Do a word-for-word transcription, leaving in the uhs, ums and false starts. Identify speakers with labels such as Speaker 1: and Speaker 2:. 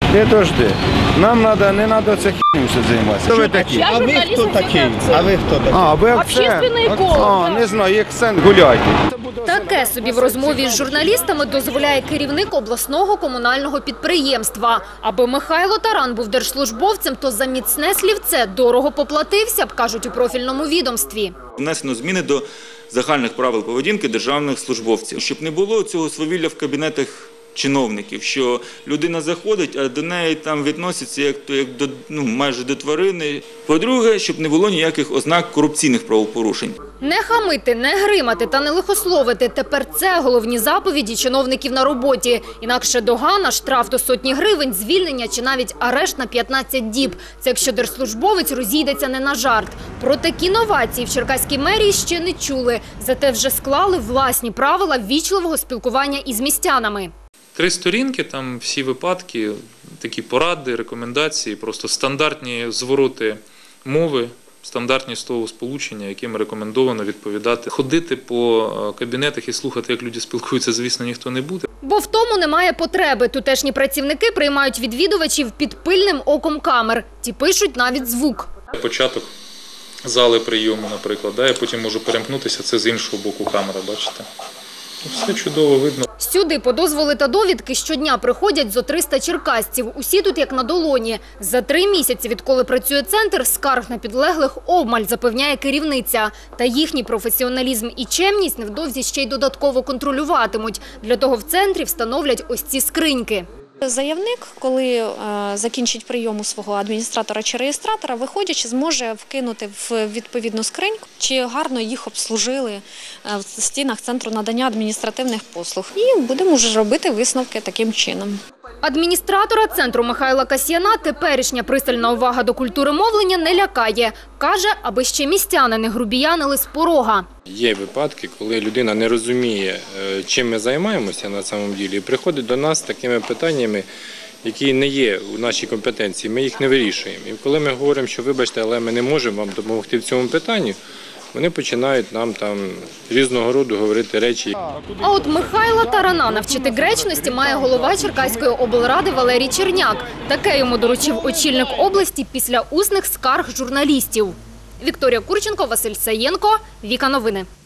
Speaker 1: Не дожди. Нам надо, не треба це хіню все займатися. Хто ви такі?
Speaker 2: Я
Speaker 3: А ви хто такий? А ви хто такий?
Speaker 1: А, ви
Speaker 2: Общественний
Speaker 1: акцент.
Speaker 2: еколог,
Speaker 1: А,
Speaker 2: да.
Speaker 1: не знаю, акцент, гуляйте.
Speaker 4: Таке собі в розмові з журналістами дозволяє керівник обласного комунального підприємства. Аби Михайло Таран був держслужбовцем, то за міцне слівце дорого поплатився б, кажуть у профільному відомстві.
Speaker 5: Внесено зміни до загальних правил поведінки державних службовців, щоб не було цього свавілля в кабінетах чиновників, що людина заходить, а до неї там відносяться як, як до, ну, майже до тварини. По-друге, щоб не було ніяких ознак корупційних правопорушень.
Speaker 4: Не хамити, не гримати та не лихословити – тепер це головні заповіді чиновників на роботі. Інакше догана, штраф до сотні гривень, звільнення чи навіть арешт на п'ятнадцять діб. Це якщо держслужбовець розійдеться не на жарт. Про такі новації в Черкаській мерії ще не чули. Зате вже склали власні правила ввічливого спілкування із містянами.
Speaker 6: Три сторінки, там всі випадки, такі поради, рекомендації, просто стандартні звороти мови, стандартні словосполучення, яким рекомендовано відповідати. Ходити по кабінетах і слухати, як люди спілкуються, звісно, ніхто не буде.
Speaker 4: Бо в тому немає потреби. Тутешні працівники приймають відвідувачів під пильним оком камер. Ті пишуть навіть звук.
Speaker 6: Початок зали прийому, наприклад, да, я потім можу перемкнутися, це з іншого боку камера, бачите. Все чудово видно.
Speaker 4: Сюди по дозволи та довідки щодня приходять зо триста черкасців. Усі тут як на долоні. За три місяці, відколи працює центр, скарг на підлеглих обмаль, запевняє керівниця. Та їхній професіоналізм і чемність невдовзі ще й додатково контролюватимуть. Для того в центрі встановлять ось ці скриньки.
Speaker 7: Заявник, коли е, закінчить прийом у свого адміністратора чи реєстратора, виходячи, зможе вкинути в відповідну скриньку, чи гарно їх обслужили е, в стінах Центру надання адміністративних послуг. І будемо вже робити висновки таким чином.
Speaker 4: Адміністратора центру Михайла Касьяна теперішня пристальна увага до культури мовлення не лякає. Каже, аби ще містяни не грубіянили з порога.
Speaker 8: Є випадки, коли людина не розуміє, чим ми займаємося на самом ділі, і приходить до нас з такими питаннями, які не є у нашій компетенції, ми їх не вирішуємо. І коли ми говоримо, що вибачте, але ми не можемо вам допомогти в цьому питанні, вони починають нам там різного роду говорити речі.
Speaker 4: А от Михайла Тарана навчити гречності має голова Черкаської облради Валерій Черняк. Таке йому доручив очільник області після усних скарг журналістів. Вікторія Курченко, Василь Саєнко, Віка Новини.